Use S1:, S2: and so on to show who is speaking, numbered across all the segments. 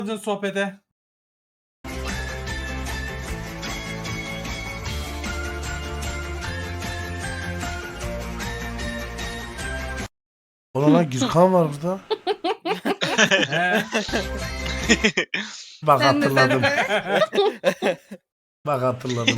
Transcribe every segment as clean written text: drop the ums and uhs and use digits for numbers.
S1: sohbete.
S2: Ulan lan Gürkan var burada.
S1: He.
S2: Bak
S3: Sen de
S2: hatırladım.
S3: sen.
S2: Bak hatırladım.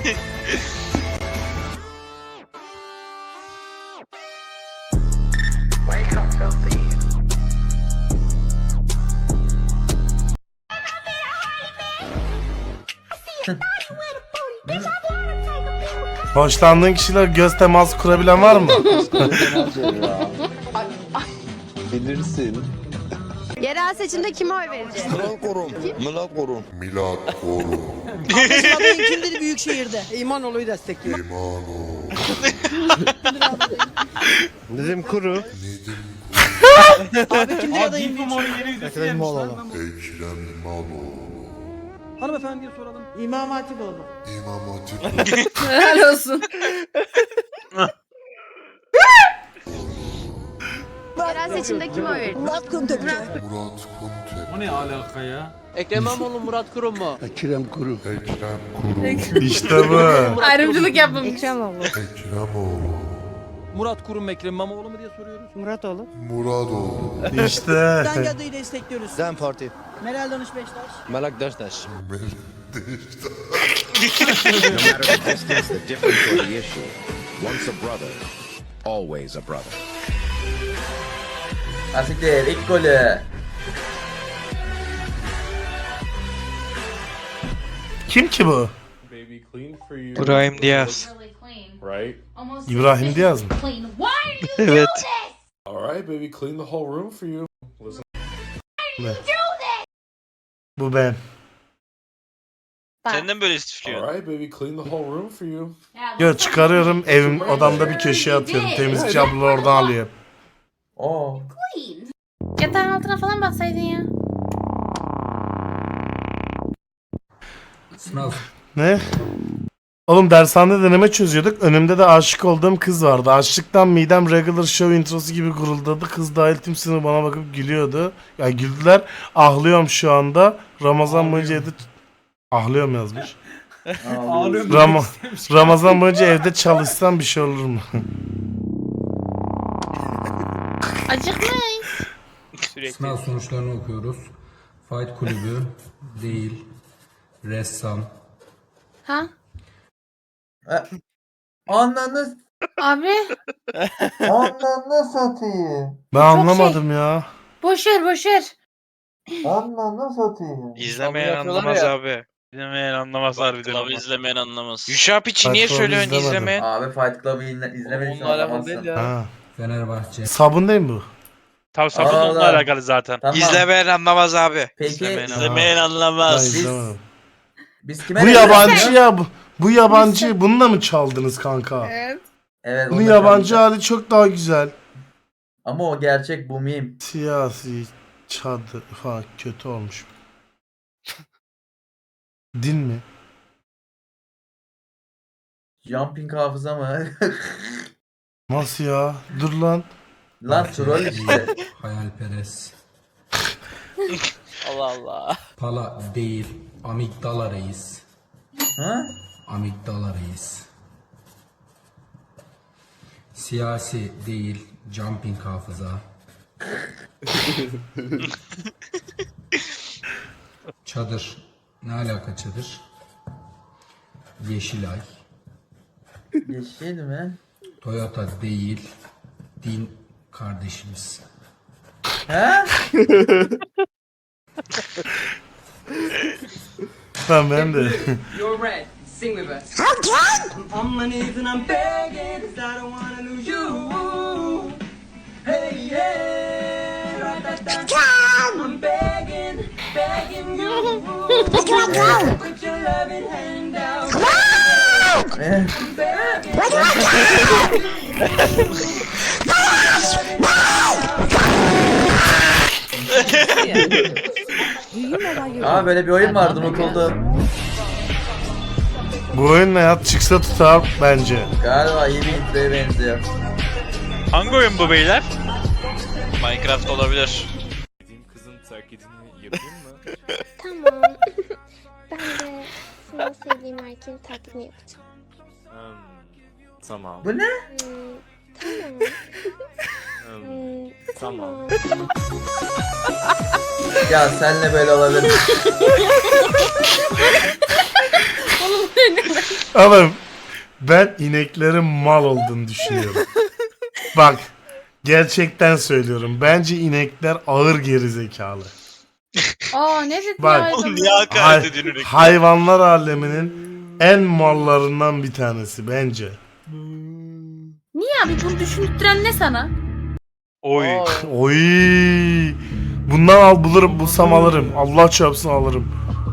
S2: Hoşlandığın kişiler göz teması kurabilen var mı?
S4: Bilirsin.
S5: Yerel seçimde kime oy vereceğiz?
S4: Kral korum. Milat korum.
S6: Arkadaşın adayın kimdir büyük şehirde? İmanoğlu'yu destekliyor.
S4: Nedim Kuru.
S6: Abi kimdir
S1: Aa,
S6: adayın
S1: Deep
S6: büyük
S1: More'un
S6: şehirde?
S1: yeni videosu gelmiş lan.
S6: Hanımefendiye soralım. İmam Hatipoğlu.
S3: Helal olsun.
S5: Yerel seçimde kime oy vereceğiz?
S6: Murat Kuntökçe.
S1: O ne alaka ya?
S6: Ekrem İmamoğlu, Murat Kurum mu?
S4: Ekrem Kuru.
S2: İşte bu.
S3: Ayrımcılık yapmamış.
S5: Ekrem
S6: Murat Kurum, Ekrem İmamoğlu mu diye soruyoruz. Muratoğlu.
S2: İşte.
S6: Hangi adayı destekliyoruz?
S4: Dem Parti.
S6: Meral Danış Beştaş.
S4: Melek Deştaş.
S7: No matter the distance, the difference, or the issue, once a brother, always a brother.
S8: Asiktir ilk golü.
S2: Kim ki bu?
S9: İbrahim Diaz.
S2: İbrahim Diaz mı?
S9: Evet.
S2: Ne? Bu ben.
S9: Senden böyle istifliyor.
S2: Yo çıkarıyorum evim odamda bir köşeye atıyorum. Temizlikçi abla oradan alıyor.
S8: Oo.
S3: Yatağın altına falan bassaydın ya.
S2: Ne? Oğlum dershanede deneme çözüyorduk. Önümde de aşık olduğum kız vardı. Açlıktan midem regular show introsu gibi guruldadı. Kız dahil tüm sınıf bana bakıp gülüyordu. Ya güldüler. Ahlıyorum şu anda. Ramazan boyunca evde... Ahlıyorum yazmış.
S1: Ağlıyorum.
S2: Ramazan boyunca evde çalışsam bir şey olur mu?
S3: Acıkmayın.
S9: Sürekli.
S10: Sınav sonuçlarını okuyoruz. Fight kulübü değil. Ressam.
S3: Ha?
S8: Ananı
S3: Abi.
S8: ananı satayım.
S2: Ben anlamadım ya.
S3: Boşver boşver.
S8: Ananı satayım.
S9: İzlemeyen anlamaz abi. İzlemeyen anlamaz harbiden ama.
S11: izlemeyen anlamaz.
S9: Yuşap için niye
S2: Fight Club'ı
S9: söylüyorsun
S2: izlemedim.
S9: izlemeyen?
S8: Abi Fight Club'ı izlemediysen anlamazsın.
S2: Ha.
S10: Fenerbahçe.
S2: Sabun değil mi bu?
S9: Tabii sabun
S8: Allah.
S9: onunla alakalı zaten.
S8: Tamam.
S9: İzlemeyen anlamaz abi.
S8: Peki
S11: İzlemeyen
S2: Ben
S11: anlamaz.
S2: izlemedim.
S8: biz kime
S2: Bu
S8: ne
S2: yabancı
S8: diyoruz?
S2: ya. Bu yabancı. Bununla mı çaldınız kanka?
S3: Evet.
S8: Evet.
S2: Bunun
S8: onu da
S2: yabancı
S8: çalacağım.
S2: hali çok daha güzel.
S8: Ama o gerçek bu meme.
S2: Siyasi çadır falan kötü olmuş. Din mi?
S8: Jumping hafıza mı?
S2: Nasıl ya? Dur lan.
S8: Lan troll işte.
S10: Hayalperest.
S11: Allah Allah.
S10: Pala değil. Amigdala reis.
S8: Ha?
S10: Amigdala reis. Siyasi değil. Jumping hafıza. Çadır. Ne alaka çadır? Yeşilay.
S8: Yeşil mi?
S10: Toyota değil. Din kardeşimiz.
S8: Ha?
S2: Ben de.
S6: You're red. Sing with us. I'm on my knees and I'm begging 'cause I don't wanna lose you. Hey, yeah. I'm begging, begging you. Put your loving hand out.
S8: Eh, Aa böyle bir oyun vardı unutuldu.
S2: Bu oyun ne ya? Çıksa tutar bence.
S8: Galiba iyi bir introya benziyor.
S9: Hangi oyun bu beyler?
S11: Minecraft olabilir.
S1: Kızın terk edini yapayım mı?
S5: sevdiğim erkeğin taklidini yapacağım.
S4: Tamam.
S8: Bu ne?
S5: Tamam.
S8: Ya senle böyle olabilir.
S2: Oğlum ben ineklerin mal olduğunu düşünüyorum. Bak gerçekten söylüyorum. Bence inekler ağır gerizekalı.
S3: Aa ne dedi
S2: Bak.
S3: ya?
S9: Oğlum niye hakaret ediyorsun Ünlü?
S2: Hayvanlar aleminin en mallarından bir tanesi bence.
S3: Niye abi bunu düşündüren ne sana?
S9: Oy.
S2: Oy. Bundan bulsam alırım. Allah çarpsın alırım.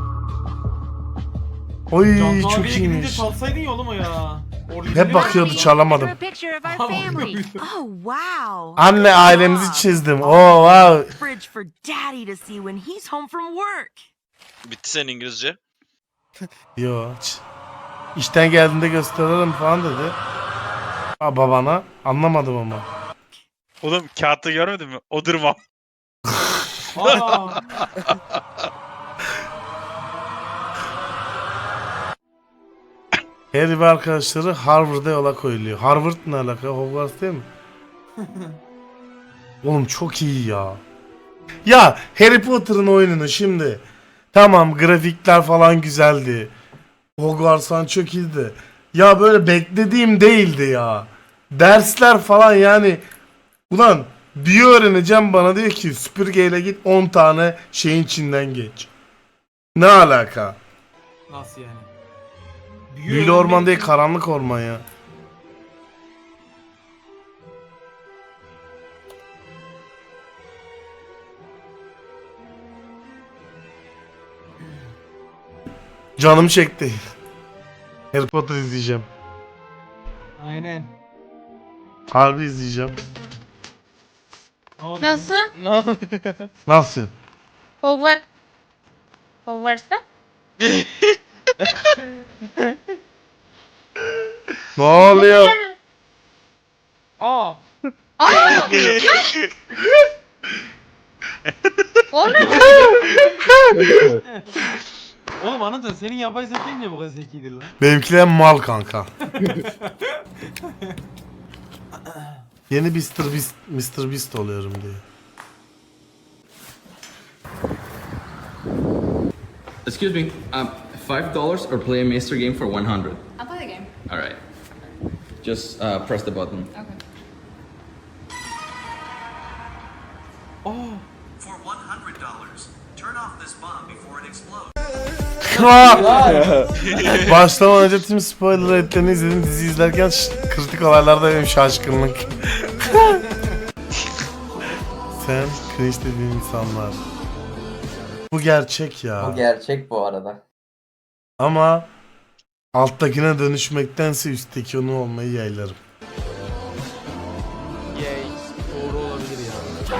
S2: Oy
S1: Can
S2: çok
S1: abiye gidince
S2: iyiymiş.
S1: çalsaydın ya oğlum o ya.
S2: Hep bakıyordu çalamadım.
S5: picture of
S1: our family.
S5: Oh wow.
S2: Anne ailemizi çizdim. Oh wow.
S5: Fridge for daddy to see when he's home from work.
S9: Bitti senin İngilizce.
S2: Yo. İşten geldiğinde gösteririm falan dedi. Ha, babana. Anlamadım ama.
S9: Oğlum kağıtta görmedin mi? O durma.
S1: Aa.
S2: Harry ve arkadaşları Harvard'a yola koyuluyor. Harvard ne alaka? Hogwarts değil mi? Oğlum çok iyi ya. Ya Harry Potter'ın oyununu şimdi. Tamam grafikler falan güzeldi. Hogwarts falan çok iyiydi. Ya böyle beklediğim değildi ya. Dersler falan yani. Ulan bir öğreneceğim bana diyor ki süpürgeyle git 10 tane şeyin içinden geç. Ne alaka?
S1: Nasıl yani?
S2: Büyülü orman değil karanlık orman ya. Canım çekti. Harry Potter izleyeceğim.
S1: Aynen.
S2: Harbi izleyeceğim.
S3: Nasıl?
S2: Nasıl?
S3: Hogwarts'ta?
S2: Ne oluyor?
S1: Aa.
S3: Oğlum.
S1: Oğlum anladın senin yapay zekan niye bu kadar zekidir lan?
S2: Benimkiler mal kanka. Yeni Mr. Beast oluyorum diye.
S6: Excuse me, $5 or play a master game for 100?
S5: I'll play the game.
S6: Alright. Just press the button.
S5: Okay.
S1: Oh.
S7: For $100, turn off this bomb before it explodes.
S2: Başlamadan önce tüm spoiler etlerini izledim. Dizi izlerken kritik olaylarda benim şaşkınlık. Sen cringe dediğin insanlar. Bu gerçek ya.
S8: Bu gerçek bu arada.
S2: Ama alttakine dönüşmektense üstteki onu olmayı yaylarım.
S1: Yay. Doğru olabilir ya.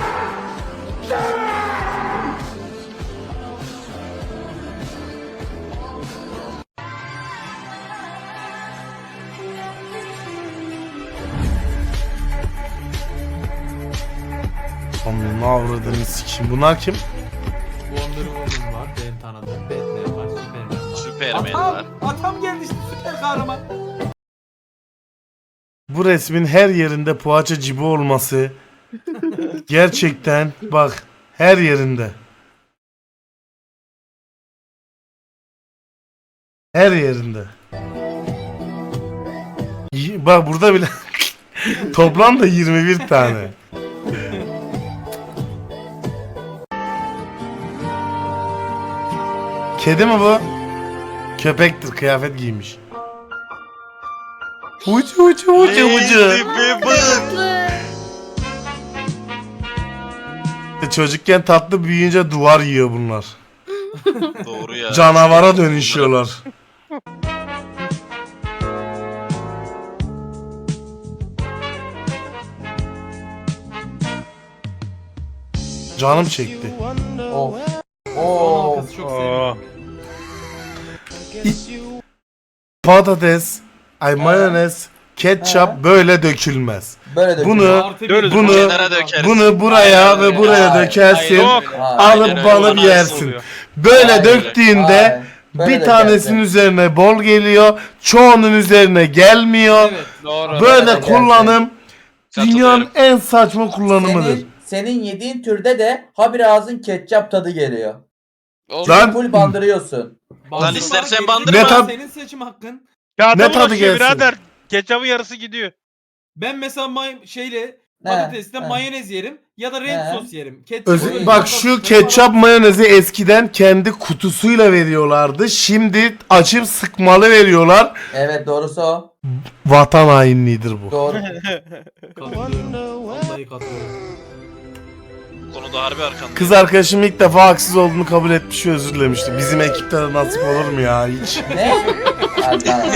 S2: Onun avradını sikeyim. Bunlar kim?
S1: Wonder Woman var benim tanıdığım. Batman var. Superman var.
S9: Superman var.
S1: Atam geldi işte süper kahraman.
S2: Bu resmin her yerinde poğaça cibi olması gerçekten bak her yerinde. Her yerinde. Bak burada bile toplam da 21 tane. Kedi mi bu? Köpektir, kıyafet giymiş. Ucu. Çocukken tatlı, büyüyünce duvar yiyor bunlar.
S9: Doğru ya.
S2: Canavara dönüşüyorlar. Canım çekti.
S8: Oh.
S1: Son
S8: Oo.
S1: halkası çok seviyorum.
S2: Patates, mayonez, ketçap böyle dökülmez.
S8: Böyle de
S2: Bunu
S9: Kenara dökersin.
S2: bunu buraya ve buraya
S8: Hayır.
S2: dökersin.
S9: Yok.
S2: Alıp
S9: Aynen,
S2: balıp
S9: öyle
S2: yersin.
S9: oluyor.
S2: Böyle
S8: Hayır.
S2: döktüğünde
S8: Böyle
S2: Bir
S8: de
S2: tanesinin
S8: gelse.
S2: üzerine bol geliyor. Çoğunun üzerine gelmiyor.
S1: Evet.
S9: Doğru.
S2: Böyle
S8: Böyle de
S2: kullanım dünyanın
S9: Katılıyorum.
S2: en saçma kullanımıdır.
S8: Senin yediğin türde de habire ağzın ketçap tadı geliyor.
S9: Olsun.
S2: Lan
S8: Full bandırıyorsun.
S1: Bandırma,
S9: istersen
S1: gerisi
S9: bandırma.
S2: Ne
S1: var,
S2: tat-
S1: senin seçim hakkın.
S9: Kağıda
S2: Ne tadı
S9: bulaşıyor
S2: gelsin?
S9: birader. Ketçabın yarısı gidiyor.
S1: Ben mesela şeyle
S8: He,
S1: patatesle
S8: he.
S1: mayonez yerim ya da renk
S8: He.
S1: sos yerim. Ketçap böyle
S2: Bak
S1: yandan
S2: şu
S1: sıkıntı
S2: ketçap
S1: var.
S2: mayonezi eskiden kendi kutusuyla veriyorlardı. Şimdi açıp sıkmalı veriyorlar.
S8: Evet doğrusu o.
S2: Vatan hainliğidir bu.
S8: Doğru.
S1: Katılıyorum. Vallahi katılıyorum.
S9: Konuda harbi arkanda.
S2: Kız arkadaşım ilk defa haksız olduğunu kabul etmiş ve özür dilemişti. Bizim ekipte de nasip olur mu ya hiç?
S8: Ne? Hadi lan.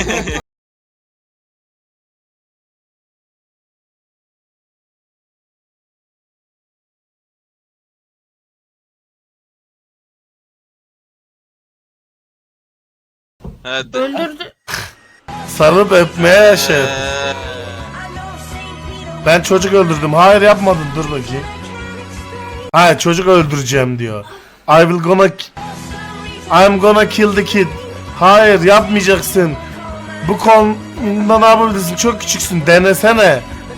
S9: Evet.
S3: Öldürdü.
S2: Sarıp öpmeye şey. Ben çocuk öldürdüm. Hayır yapmadın. Dur bakayım. Hayır çocuk öldüreceğim diyor. I'm gonna kill the kid. Hayır yapmayacaksın. Bu konuda ne yapabilirsin? Çok küçüksün. Denesene.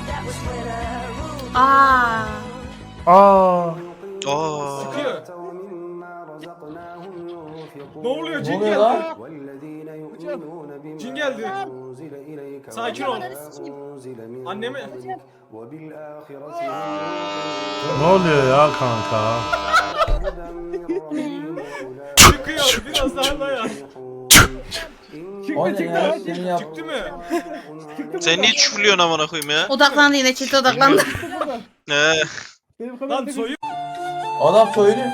S3: Aa.
S2: Aa.
S9: Oo.
S1: Ne oluyor?
S8: Ne
S1: Cin
S8: oluyor
S1: geldi.
S8: lan?
S1: Cin geldi. Sakin ol. Annemi.
S2: Ne oluyor ya kanka?
S1: Çıkıyor. Biraz daha dayan.
S8: O ne ya? Seni yap.
S1: Çıktı mı?
S9: Sen niye çufluyorsun amına koyayım ya?
S3: Odaklandı yine çift odaklandı.
S1: Lan soyu.
S8: Adam soyunuyor.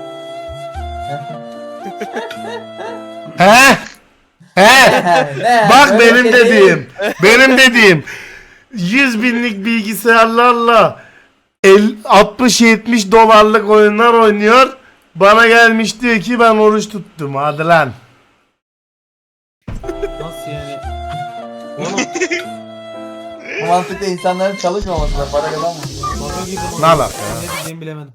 S2: He? He?
S8: Ne?
S2: Bak
S8: Böyle
S2: benim
S8: bir şey değil.
S2: dediğim. Benim dediğim. 100 binlik bilgisayarlarla 60-70 dolarlık oyunlar oynuyor. Bana gelmiş diyor ki ben oruç tuttum. Hadi lan.
S1: Nasıl yani?
S8: Bu mantıkla insanların çalışmamasına para kazanmıyor.
S1: Baka gibi.
S2: Ne alaka ya?
S1: Ne diyeceğimi bilemedim.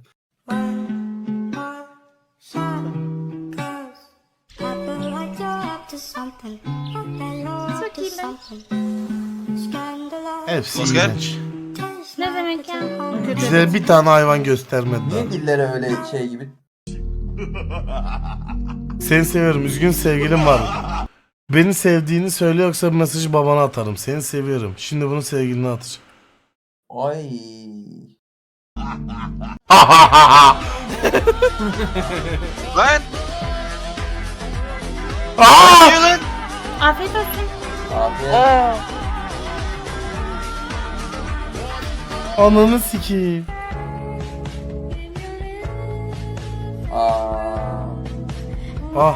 S2: Hepsi
S9: Oscar?
S2: iğrenç.
S3: Ne demek ya? Kötü.
S2: Bize bir tane hayvan göstermediler.
S8: Niye dilleri öyle şey gibi?
S2: Seni seviyorum. Üzgün sevgilim var. Beni sevdiğini söyle yoksa bu mesajı babana atarım. Seni seviyorum. Şimdi bunu sevgiline atacağım.
S8: Ay.
S9: Lan.
S2: Aa!
S9: Ne lan?
S3: Afiyet olsun.
S8: Abi.
S2: Ananı sikeyim.
S8: Aa.
S2: Ah.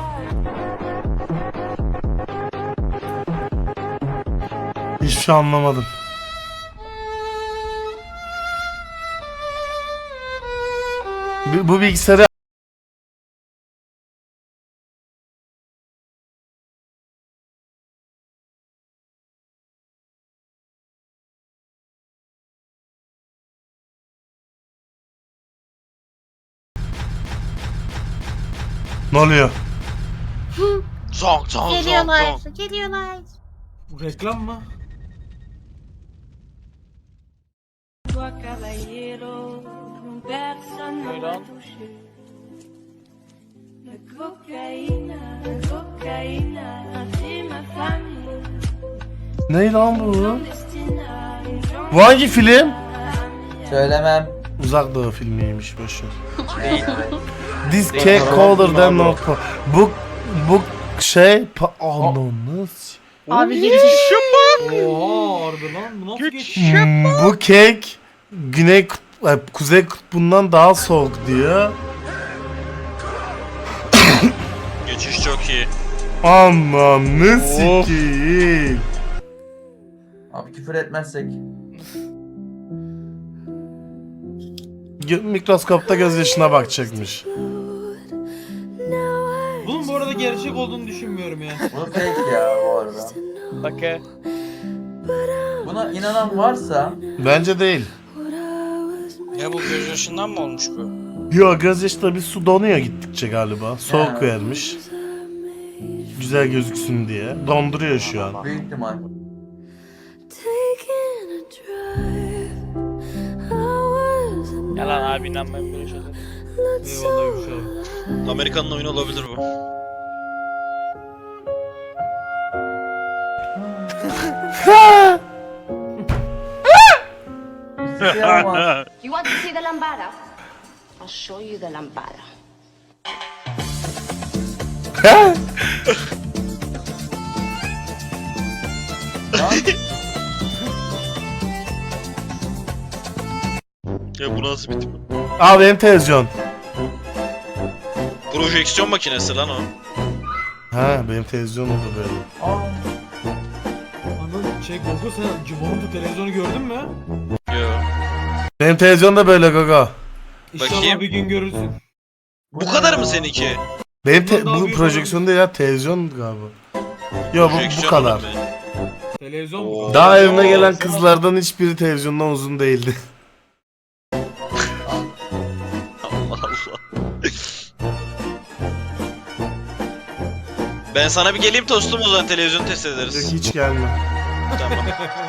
S2: Hiçbir şey anlamadım. Bu bilgisayarı ne oluyor?
S9: Zonk zonk zonk
S3: Geliyorlar.
S9: zonk.
S3: Geliyorlar.
S1: Bu reklam mı?
S2: Ne lan bu? Bu hangi film?
S8: Söylemem.
S2: Uzak Doğu filmiymiş boşver. This cake colder than North Pole. Bu şey ananı s-
S3: Abi geçiş.
S1: Oha harbi lan. Bu nasıl geçiş?
S2: Bu kek Kuzey Kutbu'ndan daha soğuk diyor.
S9: Geçiş çok iyi.
S2: Ananı sikeyim.
S8: Abi küfür etmezsek.
S2: Mikroskopta gözyaşına bakacakmış.
S1: Bunun bu arada gerçek olduğunu düşünmüyorum ya.
S8: Bu fake ya bu arada.
S9: Bakın.
S8: Buna inanan varsa
S2: Bence değil.
S9: Ya bu göz yaşından mı olmuş bu?
S2: Yo gözyaşı da bir su donuyor gittikçe galiba. Soğuk
S8: Ya.
S2: vermiş. Güzel gözüksün diye. Donduruyor şu an.
S8: Büyük ihtimal.
S9: Yalan abi inanmayın böyle şeyler.
S1: Eyvallah Gümüş abi.
S9: Amerikan'ın oyunu olabilir bu.
S8: Siyama.
S5: You want to see the lambada? I'll show you the lambada.
S9: Ya bu nasıl bir tip?
S2: Al benim televizyon.
S9: Projeksiyon makinesi lan o.
S2: Ha benim televizyon oldu böyle.
S8: Aa,
S1: Anıl Gogo sen Cimon'un televizyonu gördün mü?
S9: Yo.
S2: Benim televizyon da böyle Gogo.
S1: İnşallah
S9: Bakayım.
S1: bir gün görürsün.
S9: Bu kadar mı seninki?
S2: Benim
S1: Bundan daha
S2: bu
S1: büyük
S2: projeksiyon değil ya televizyon galiba. Yo bu
S9: Projeksiyon
S2: kadar.
S9: oğlum be.
S1: Televizyon
S9: Oo.
S1: mu?
S2: Daha evime gelen kızlardan hiçbiri televizyondan uzun değildi.
S9: Allah Allah. Ben sana bir geleyim tostum o zaman televizyon test ederiz.
S2: Hiç gelme.
S9: Tamam.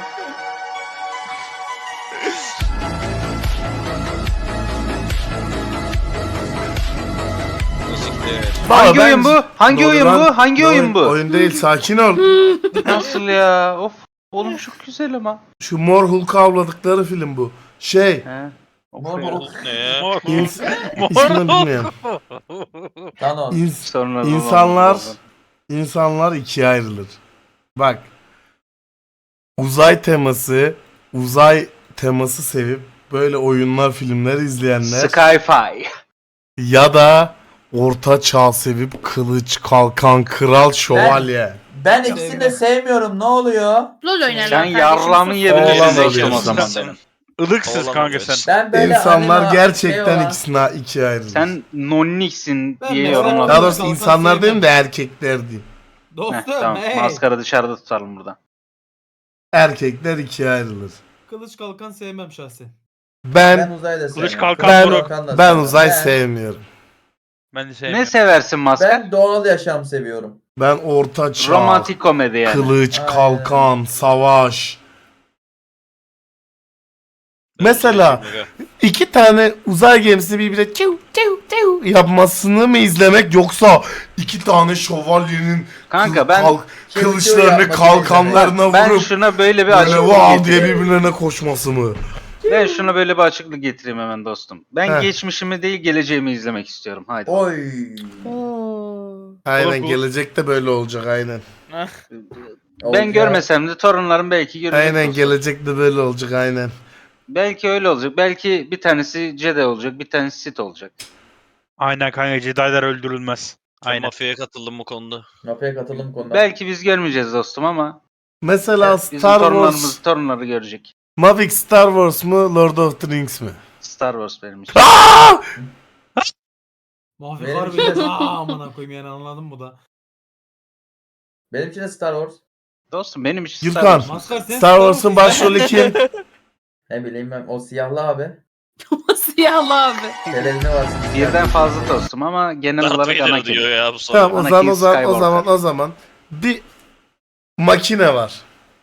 S9: Siktir.
S2: Hangi
S11: oyun bu? Hangi oyun bu? Hangi oyun bu?
S2: Oyun değil sakin ol.
S11: Nasıl ya? Of. Oğlum çok güzel ama.
S2: Şu Mor Hulk'u avladıkları film bu. Şey.
S11: He.
S8: Mor Hulk.
S9: Ne ya?
S2: İsmini bilmiyorum.
S8: Thanos.
S11: Sonra
S2: İnsanlar ikiye ayrılır. Bak. Uzay teması sevip böyle oyunlar, filmler izleyenler
S11: Skyfi.
S2: ya da orta çağ sevip kılıç, kalkan, kral, şövalye.
S8: Ben ikisini de sevmiyorum. Ne oluyor?
S3: LOL oynarlar.
S11: Sen
S3: kardeşim,
S11: yarrağımı
S3: sus.
S11: yiyebilirsin
S2: Oğlan
S11: dostum o
S2: oluyorsun.
S11: zaman benim.
S9: Ilıksız kanka sen.
S8: Ben böyle
S2: İnsanlar
S8: anime-
S2: gerçekten
S8: şey var.
S2: ikisine ikiye ayrılır.
S11: Sen nonniksin
S1: Ben
S11: diye
S1: mesela-
S11: yorumladım.
S2: Daha doğrusu
S1: Kalkan
S2: insanlar
S1: sevmem.
S2: değil de erkekler diyeyim.
S1: Dostum
S11: Tamam.
S1: hey.
S11: Maskara dışarıda tutalım burada.
S2: Erkekler ikiye ayrılır.
S1: Kılıç kalkan sevmem şahsen.
S8: Ben uzayı da sevmiyorum.
S9: kalkan
S2: Ben-
S9: buruk.
S8: Kalkan da
S2: Ben
S8: sevmem.
S2: uzay
S8: Ben-
S2: sevmiyorum.
S9: Ben de sevmiyorum.
S11: Ne seversin maskar?
S8: Ben doğal yaşam seviyorum.
S2: Ben orta çağ,
S11: Romantik komedi yani.
S2: kılıç,
S8: Aynen.
S2: kalkan, savaş. Mesela iki tane uzay gemisini birbirine çiu çiu çiu yapmasını mı izlemek yoksa iki tane şövalyenin
S11: Kanka ben
S2: kılıçlarını
S8: yapmasını
S2: kalkanlarına
S11: ben
S2: vurup
S11: şuna böyle bir
S2: böyle
S11: açıklık
S2: wow diye
S11: getireyim.
S2: birbirlerine koşması mı?
S11: Ben şuna böyle bir açıklık getireyim hemen dostum. Ben
S2: Heh.
S11: geçmişimi değil geleceğimi izlemek istiyorum. Haydi.
S8: Oy.
S3: Oo.
S2: Aynen
S9: Bu-
S2: gelecekte böyle olacak aynen.
S11: Ben
S8: Olacak.
S11: görmesem de torunlarım belki görecek.
S2: Aynen
S11: dostum.
S2: gelecekte böyle olacak aynen.
S11: Belki öyle olacak. Belki bir tanesi Jedi olacak, bir tanesi Sith olacak.
S9: Aynen kanka Jedi'lar öldürülmez. Aynen. Mafyaya katıldım bu konuda.
S8: Mafya katılım konuda.
S11: Belki biz görmeyeceğiz dostum ama
S2: Mesela
S11: bizim
S2: Star
S11: torunlarımız,
S2: Wars,
S11: torunları görecek.
S2: Mavic Star Wars mu Lord of the Rings mi?
S11: Star Wars benim için.
S2: Aa!
S1: Mahve
S8: Benim
S1: harbiden
S8: için-
S1: amına koyayım yani anladın mı da?
S8: Benim için de Star Wars.
S11: Dostum benim için Star
S2: Gürkan,
S11: Wars.
S1: Maskar sen
S2: Star Wars'un başrolü kim?
S8: Ne bileyim ben. O siyahlı abi.
S3: Siyahlı abi.
S8: Televizyonu var.
S11: Birden fazla dostum ama genel olarak ana kelime.
S9: ya bu
S2: Tamam o
S11: Anakin
S2: zaman
S11: Skywalker.
S2: bir makine var.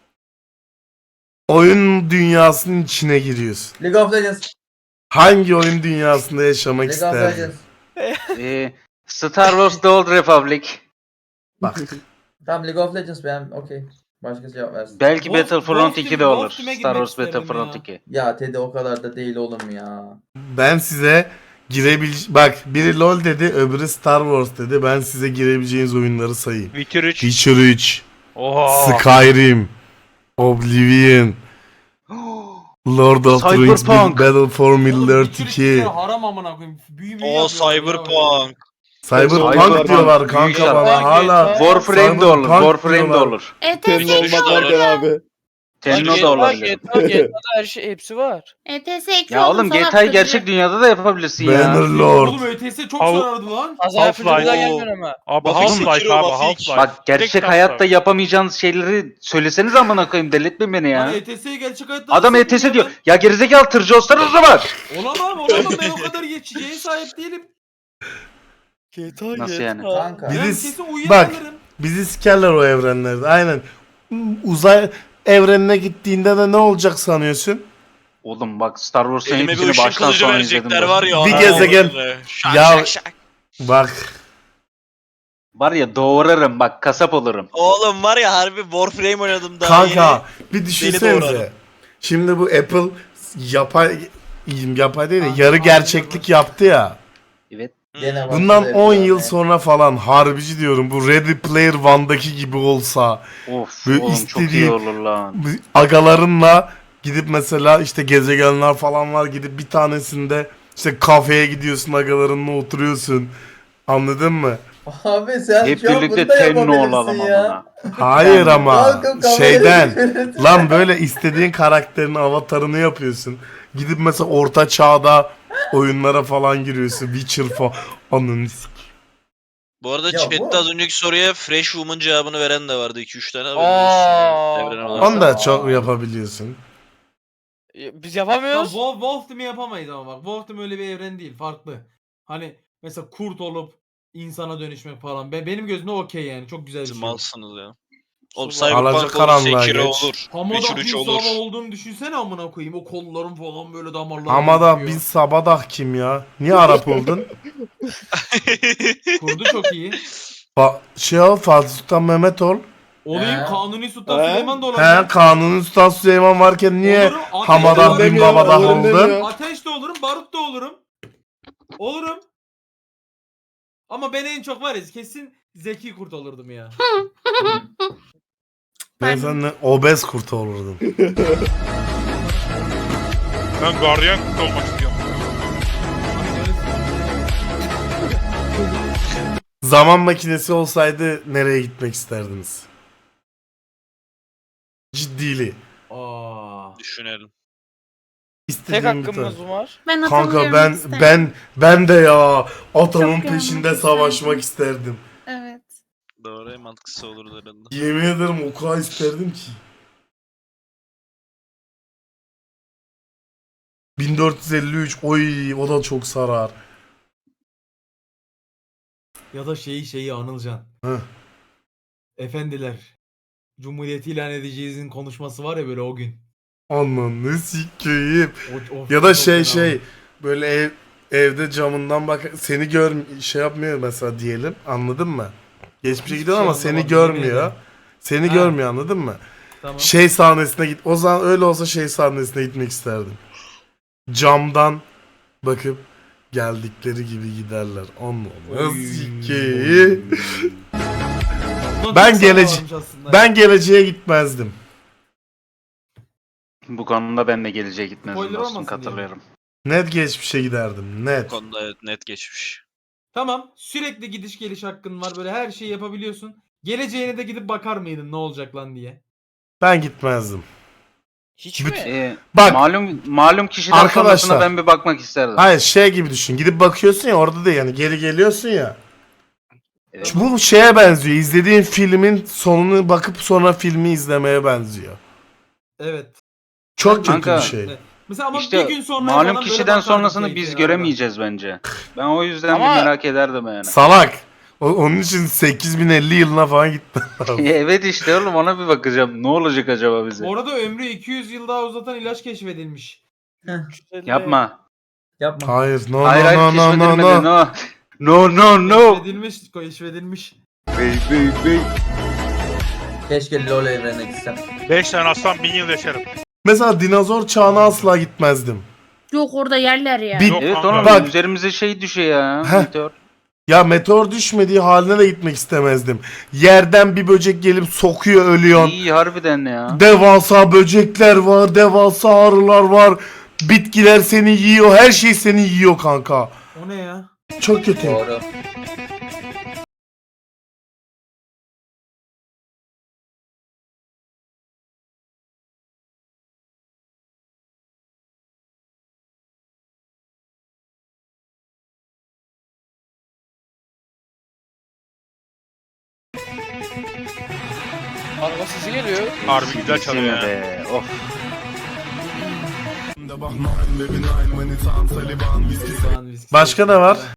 S2: Oyun dünyasının içine giriyorsun.
S8: League of Legends.
S2: Hangi oyun dünyasında yaşamak
S8: League of
S2: isterdin?
S8: Legends.
S11: Star Wars The Old Republic.
S2: Bak.
S8: Tamam League of Legends ben okey. Başka cevap versin.
S11: Belki Battlefront
S1: Wolf
S11: 2 de
S1: Team-
S11: olur.
S1: Wolf Team'e
S11: Star
S1: girmek
S11: Wars
S1: isterim
S11: Battlefront
S1: ya.
S11: 2.
S8: Ya Teddy o kadar da değil oğlum ya.
S2: Ben size bak biri LoL dedi, öbürü Star Wars dedi. Ben size girebileceğiniz oyunları sayayım.
S9: Witcher 3.
S2: Witcher 3,
S9: Oha.
S2: Skyrim, Oblivion, Lord of the Rings,
S11: Cyberpunk.
S2: Battle for Middle-earth
S1: Witcher
S2: 2.
S1: iki haram amına koyayım. Büyü
S9: O
S1: yapıyorlar ya.
S9: Cyberpunk.
S2: Cyberpunk
S11: Cyberpunk
S2: diyorlar
S11: büyük
S2: kanka
S11: şarkı.
S2: bana hala.
S11: Warframe de olur.
S2: Cyberpunk
S11: Warframe de
S2: diyorlar.
S11: olur.
S3: ETS
S4: abi.
S11: Tenno da olabilir.
S9: her şey hepsi var.
S3: ETS ekli
S11: Ya oğlum
S3: salak
S11: GTA'yı
S3: çocuğu.
S11: gerçek dünyada da yapabilirsin ya.
S2: Bannerlord.
S1: Oğlum ÖTS çok
S9: Al-
S1: sarardı lan.
S9: Half-Life. Abi Half-Life abi Half-Life.
S11: Bak gerçek hayatta yapamayacağınız şeyleri söyleseniz amına koyayım delirtmeyin beni ya.
S1: Lan ETS'yi gerçek hayatta
S11: Adam
S1: nasıl
S11: ETS
S1: yapıyor
S11: diyor.
S1: lan?
S11: Ya gerizekalı tırcı olsana o zaman.
S1: Olamam ben o kadar geçeceğe sahip değilim.
S11: Nasıl yani?
S8: Kanka.
S1: Ben
S2: Birisi-
S1: kesin
S2: bak.
S1: uyuyakalırım.
S2: Bizi sikerler o evrenlerde. Aynen. Uzay evrenine gittiğinde de ne olacak sanıyorsun?
S11: Oğlum bak Star Wars'ın
S9: Elime bir
S11: hepsini
S9: ışın
S11: baştan
S9: kılıcı
S11: sona izledim.
S9: verecekler
S11: ben.
S9: var ya.
S2: Bir
S9: ana
S2: gezegen-
S9: avradını. Şak
S2: Ya-
S9: şak şak.
S2: Bak.
S11: Var ya doğrarım bak kasap olurum.
S9: Oğlum var ya harbi Warframe oynadım daha
S2: Kanka bir
S9: doğrarım.
S2: düşünsenize. Şimdi bu Apple yapay değil de yarı gerçeklik yaptı ya.
S11: Evet.
S8: Gene
S2: Bundan
S8: başladı
S2: 10
S8: hep
S2: yıl
S8: yani.
S2: sonra falan harbici diyorum bu Ready Player One'daki gibi olsa
S11: Of
S2: Böyle
S11: oğlum çok
S2: istediği-
S11: iyi olur lan.
S2: agalarınla gidip mesela işte gezegenler falan var gidip bir tanesinde işte kafeye gidiyorsun agalarınla oturuyorsun. Anladın mı?
S8: Abi sen
S11: Hep
S8: şu an
S11: birlikte
S8: bunu da
S11: tenno
S8: yapabilirsin
S11: olalım
S8: ya.
S11: amına.
S2: Hayır ama
S8: Kalkıp kamerayı
S2: şeyden
S8: çevirirsin.
S2: lan böyle istediğin karakterin avatarını yapıyorsun. Gidip mesela orta çağda oyunlara falan giriyorsun. Witcher falan. Ananı s-
S9: Bu arada
S8: Ya
S9: chatte
S8: bu-
S9: az önceki soruya Fresh Woman cevabını veren de vardı 2-3 tane. Evren olarak.
S2: Onu da çok yapabiliyorsun.
S1: Tamam,
S12: Biz yapamıyoruz.
S1: Wolf Team'i yapamayız ama bak. Wolf Team öyle bir evren değil. Farklı. Hani mesela kurt olup insana dönüşmek falan. Benim gözümde okey yani. Çok güzel bir şey.
S9: Malsınız ya. Oğlum
S12: Alacak
S9: Cyberpunk olur,
S2: karanlığa
S9: Sekiro
S2: geç.
S9: olur,
S1: Hamada
S9: Witcher
S1: bir
S9: 3 olur.
S1: sabah olduğunu düşünsene amına koyayım. O kollarım falan böyle damarlar.
S2: Ama da
S1: gözüküyor.
S2: biz Sabadah kim ya? Niye Arap oldun?
S1: Kurdu çok iyi.
S2: Şey ol Fatih Sultan Mehmet ol.
S1: Olayım
S8: He.
S1: Kanuni Sultan
S12: He.
S1: Süleyman da
S2: He
S1: olabilir.
S2: Kanuni Sultan Süleyman varken niye
S1: Olurum, ateş de
S2: Hamadan
S1: olurum.
S2: bin Babadah oldun?
S1: Ateş de olurum, barut da olurum. Olurum. Ama ben en çok var ya kesin Zeki Kurt olurdum ya.
S2: Ben sen obez kurt olurdum.
S9: Ben gardiyan olmak istiyorum.
S2: Zaman makinesi olsaydı nereye gitmek isterdiniz? Ciddili.
S1: Aa.
S9: Düşünelim.
S12: Tek
S2: İstediğim bir
S12: hakkımız
S2: tane.
S12: var.
S3: Ben
S2: Kanka
S3: hatırlıyorum isterim.
S2: ben de ya atamın
S3: Çok
S2: peşinde
S3: yanlış
S2: savaşmak
S3: isterdim.
S2: isterdim.
S3: Evet.
S9: Doğru en mantıklısı olurdu herhalde.
S2: Yemin ederim o kadar isterdim ki. 1453 oy o da çok sarar.
S1: Ya da şeyi Anılcan.
S2: Heh.
S1: Efendiler. Cumhuriyeti ilan edeceğizin konuşması var ya böyle o gün.
S2: Ananı sikeyim.
S1: O
S2: Ya da
S1: çok
S2: şey
S1: fena.
S2: böyle evde camından bak seni şey yapmıyor mesela diyelim anladın mı? Geçmişe
S1: Hiçbir
S2: gidiyor
S1: şey
S2: ama seni
S1: anlamadım,
S2: görmüyor.
S1: yemin ederim.
S2: Seni
S1: Ha.
S2: görmüyor anladın mı?
S1: Tamam.
S2: Şey sahnesine git. O zaman öyle olsa şey sahnesine gitmek isterdim. Camdan bakıp geldikleri gibi giderler. Ananı
S1: Oy.
S2: sikeyim.
S1: Ulan
S2: Ben
S1: çok
S2: gelece-
S1: sararmış aslında.
S2: Ben geleceğe gitmezdim.
S11: Bu konuda ben de geleceğe gitmezdim
S1: Spoiler
S11: dostum
S1: olmasın diye.
S11: katılıyorum.
S2: Net geçmişe giderdim.
S9: Bu
S2: Net.
S9: konuda evet, net geçmiş.
S1: Tamam. Sürekli gidiş geliş hakkın var. Böyle her şeyi yapabiliyorsun. Geleceğine de gidip bakar mıydın ne olacak lan diye.
S2: Ben gitmezdim.
S12: Hiç mi?
S2: Bak
S11: Malum kişiden
S2: Arkadaşlar.
S11: sonrasına ben bir bakmak isterdim.
S2: hayır şey gibi düşün. Gidip bakıyorsun ya orada da yani geri geliyorsun ya.
S11: Evet.
S2: Bu şeye benziyor. İzlediğin filmin sonunu bakıp sonra filmi izlemeye benziyor.
S1: Evet.
S2: Çok kötü
S11: Kanka,
S2: bir şey.
S1: Evet. Mesela ama
S11: İşte
S1: bir gün sonra
S11: malum
S1: falan böyle
S11: kişiden
S1: bakardım
S11: sonrasını
S1: keyfine
S11: biz
S1: ya.
S11: göremeyeceğiz bence. Ben o yüzden
S12: Ama-
S11: bir merak ederdim yani.
S2: Salak. Onun için 8050 yılına falan gitti.
S11: Evet işte oğlum ona bir bakacağım. Ne olacak acaba bize?
S1: Bu arada ömrü 200 yıl daha uzatan ilaç keşfedilmiş.
S11: Yapma.
S8: Yapma.
S2: Hayır, no
S11: Hayır
S2: no
S11: hayır
S2: no no no
S11: keşfedilmedi.
S2: no.
S11: No. No no.
S1: Keşfedilmiş.
S11: Bey.
S8: Keşke LoL evrenine gitsem.
S9: 5 tane aslan 1000 yıl yaşarım.
S2: Mesela dinozor çağına asla gitmezdim.
S3: Yok orada yerler ya.
S2: Bir-
S11: Evet
S9: kanka.
S11: oğlum
S2: Bak.
S11: üzerimize şey düşüyor ya.
S2: Heh.
S11: Meteor.
S2: Ya meteor düşmediği haline de gitmek istemezdim. Yerden bir böcek gelip sokuyor ölüyorsun.
S11: İyi harbiden ya.
S2: Devasa böcekler var, devasa arılar var. Bitkiler seni yiyor, her şey seni yiyor kanka.
S1: O ne ya?
S2: Çok kötü.
S8: Doğru.
S12: Araba sesi geliyor.
S9: Harbi güzel çalıyor ya.
S11: Be. Of.
S1: Başka
S2: Başka ne var?